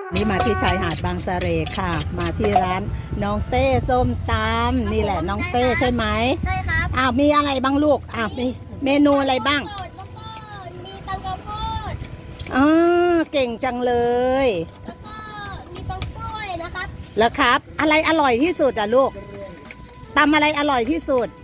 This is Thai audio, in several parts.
นี่มาที่ชายหาดบางสะเรค่ะ มาที่ร้านน้องเต้ส้มตำนี่แหละน้องเต้ใช่ไหมใช่ครับอ้าวมีอะไรบ้างลูกอ้าวมีเมนูอะไรบ้างแล้วก็มีตำข้าวโพดอ๋อเก่งจังเลยแล้วก็มีตำกล้วยนะครับแล้วครับ อะไรอร่อยที่สุดอ่ะลูกตำอะไรอร่อยที่สุด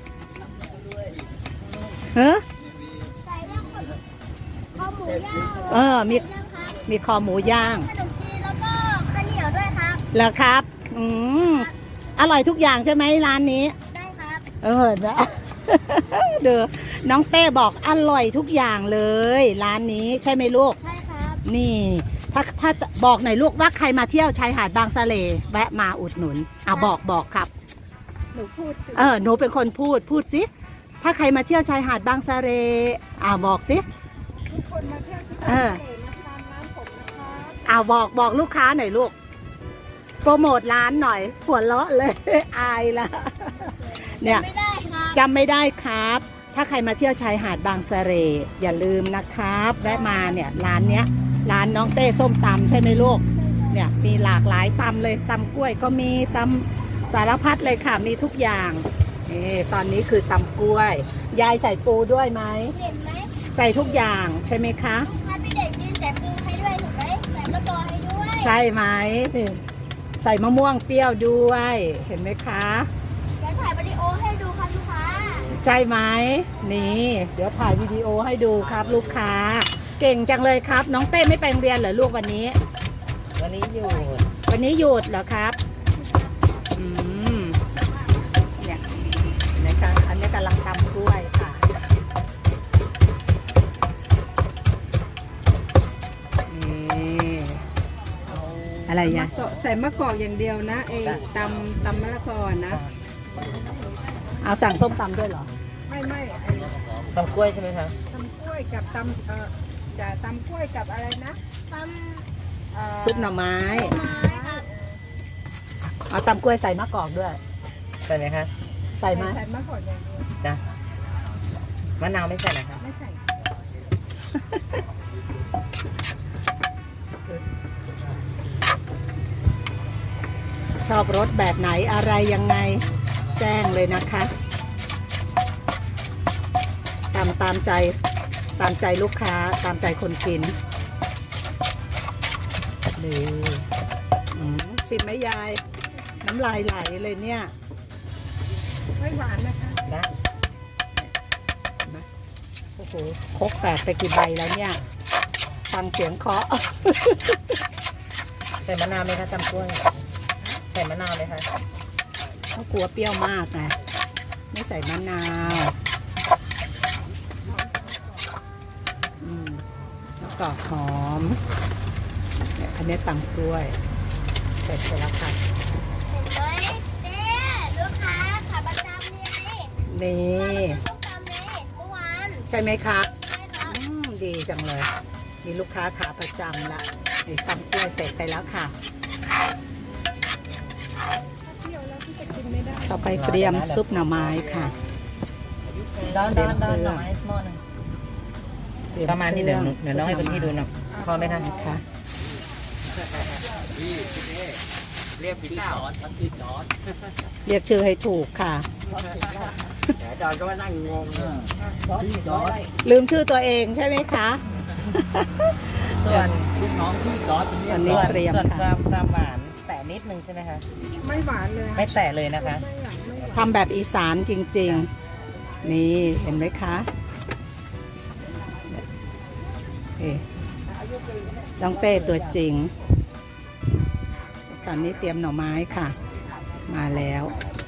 เฮ้อใส่ย่างข้าวหมูย่างมีย่างครับมีคอหมูย่างขนมจีนแล้วก็ข้าวเหนียวด้วยครับแล้วครับอร่อยทุกอย่างใช่ไหมร้านนี้ได้ครับนะ เดี๋ยวน้องเต้บอกอร่อยทุกอย่างเลยร้านนี้ใช่ไหมลูกใช่ครับนี่ถ้าบอกหน่อยลูกว่าใครมาเที่ยวชายหาดบางสะเลแวะมาอุดหนุนบอกครับหนูพูดหนูเป็นคนพูดสิถ้าใครมาเที่ยวชายหาดบางสะเลบอกสิทุกคนมาเที่ยวที่บางสะเลมาทานร้านผมนะครับบอกลูกค้าหน่อยลูกโปรโมทร้านหน่อยหัวเราะเลย อายละเนี่ยไม่ได้ครับจำไม่ได้ครับ ถ้าใครมาเที่ยวชายหาดบางสะเลอย่าลืมนะครับแวะมาเนี่ยร้านเนี้ยร้านน้องเต้ส้มตำใช่ไหมลูกเนี่ยมีหลากหลายตำเลยตำกล้วยก็มีตำสารพัดเลยค่ะมีทุกอย่างนี่ตอนนี้คือตำกล้วยยายใส่ปูด้วยไหมเห็นไหมใส่ทุกอย่างใช่ไหมคะถ้าพี่เด็กมีใส่ปูให้ด้วยถูกไหมใส่มะกอกให้ด้วยใช่ไหมใส่มะม่วงเปรี้ยวด้วยเห็นไหมคะเดี๋ยวถ่ายวิดีโอให้ดูครับลูกค้าใช่ไหมนี่เดี๋ยวถ่ายวิดีโอให้ดูครับลูกค้าเก่งจังเลยครับน้องเต้ไม่ไปโรงเรียนเหรอลูกวันนี้หยุดวันนี้หยุดเหรอครับเนี่ยนะคะอันนี้กำลังทำกล้วยค่ะนี่อะไรอย่างใส่มะกอกอย่างเดียวนะตำมะละกอนะเอาสั่งส้มตำด้วยเหรอไม่ตำกล้วยใช่ไหมคะตำกล้วยกับจะตำกล้วยกับอะไรนะตซุปหน่อไม้ครับเอาตำกล้วยใส่มะกอกด้วยใส่ไหมคะใส่ไหมใส่มะกอกอย่างเดียวจ้ะมะนาวไม่ใส่นะคะไม่ใส่ชอบรสแบบไหนอะไรยังไงแจ้งเลยนะคะตามใจลูกค้าตามใจคนกินนี่ชิมไหมยายน้ำลายไหลเลยเนี่ยไม่หวานนะคะได้โอ้โหครกแตกไปกี่ใบแล้วเนี่ยฟังเสียงเคาะใส่มะนาวไหมคะตำกล้วยใส่มะนาวเลยค่ะเขากลัวเปรี้ยวมากไงไม่ใส่มะนาวแล้วก็หอมอันนี้ตำกล้วยเสร็จไปแล้วค่ะเห็นไหมเจ๊ลูกค้าขาประจำนี่ลูกค้าเมื่อวานใช่ไหมคะใช่ครับดีจังเลยมีลูกค้าขาประจำละนี่ตำกล้วยเสร็จไปแล้วค่ะต่อไปเตรียมซุปหน่อไม้ค่ะด้านหน่อไม้หม้อหนึ่งประมาณนี้เดี๋ยวน้องให้คนที่ดูหน่อยพอไหมคะค่ะเรียกพี่จอดพี่จอดเรียกชื่อให้ถูกค่ะแต่จอดก็ว่านั่งงงพี่จอดลืมชื่อตัวเองใช่ไหมคะส่วนลูกน้องพี่จอดอันนี้เตรียมค่ะความหวานแต่นิดนึงใช่ไหมคะไม่หวานเลยไม่แตะเลยนะคะทำแบบอีสานจริงๆนี่เห็นไหมคะน้องเต้ตัวจริงตอนนี้เตรียมหน่อไม้ค่ะมาแล้ว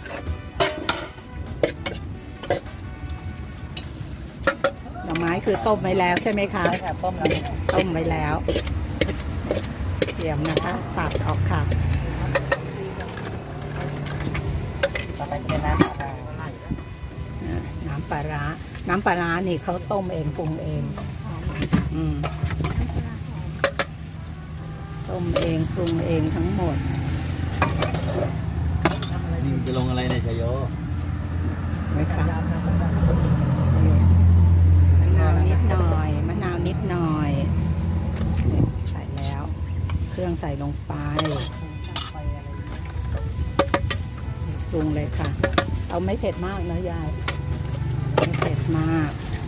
หน่อไม้คือต้มไว้แล้วใช่ไหมคะใช่ค่ะต้มไว้แล้วเตรียมนะคะตักออกค่ะต่อไปเป็นน้ำปลาร้าน้ำปลาร้านี่เขาต้มเองปรุงเองต้มเองปรุงเองทั้งหมดจะลงอะไรในชโยไหมคะมะนาวนิดหน่อยใส่แล้วเครื่องใส่ลงไปปรุงเลยค่ะ เอาไม่เผ็ดมากนะยายไม่เผ็ดมาก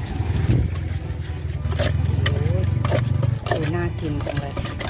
ดูน่ากินจังเลย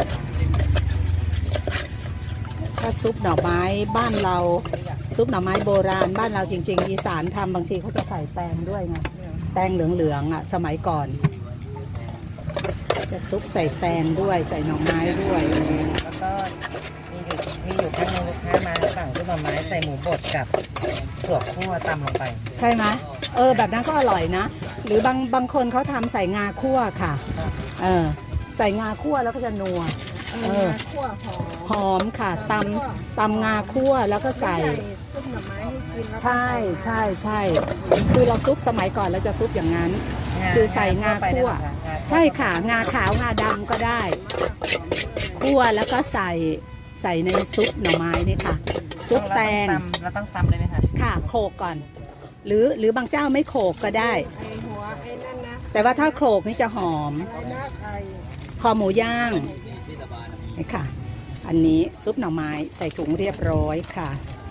ถ้าซุปหน่อไม้บ้านเราซุปหน่อไม้โบราณบ้านเราจริงๆอีสานทำบางทีเขาจะใส่แตงด้วยไงแตงเหลืองๆอ่ะสมัยก่อนจะซุปใส่แตงด้วยใส่หน่อไม้ด้วยแล้วก็มีอยู่ครั้งนึงลูกค้ามาสั่งซุปหน่อไม้ใส่หมูบดกับถั่วคั่วตำลงไปใช่ไหมแบบนั้นก็อร่อยนะ หรือบางคนเขาทำใส่งาคั่วค่ะใส่งาคั่วแล้วก็จะนัวคั่วหอมหอมค่ะตำงาคั่วแล้วก็ใส่ซุปหน่อไม้ให้กินแล้วก็ใช่คือเราซุปสมัยก่อนเราจะซุปอย่างนั้น คือใส่งาคั่วใช่ค่ะงาขาวงาดำก็ได้คั่วแล้วก็ใส่ในซุปหน่อไม้นี่ค่ะซุปแตงเราต้องตำเลยไหมคะค่ะโขลกก่อน หรือบางเจ้าไม่โขลกก็ได้ไอหัวไอ้นั่นนะแต่ว่าถ้าโขลกนี่จะหอมไอ้นะไอคอหมูย่างนี่ค่ะ อันนี้ซุปหน่อไม้ใส่ถุงเรียบร้อยค่ะ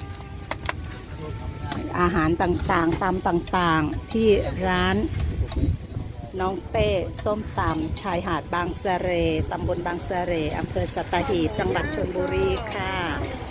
อาหารต่างๆตำต่างๆที่ร้านน้องเต้ส้มตำชายหาดบางสะเรตำบลบางสะเรอำเภอสัตหีบจังหวัดชลบุรีค่ะ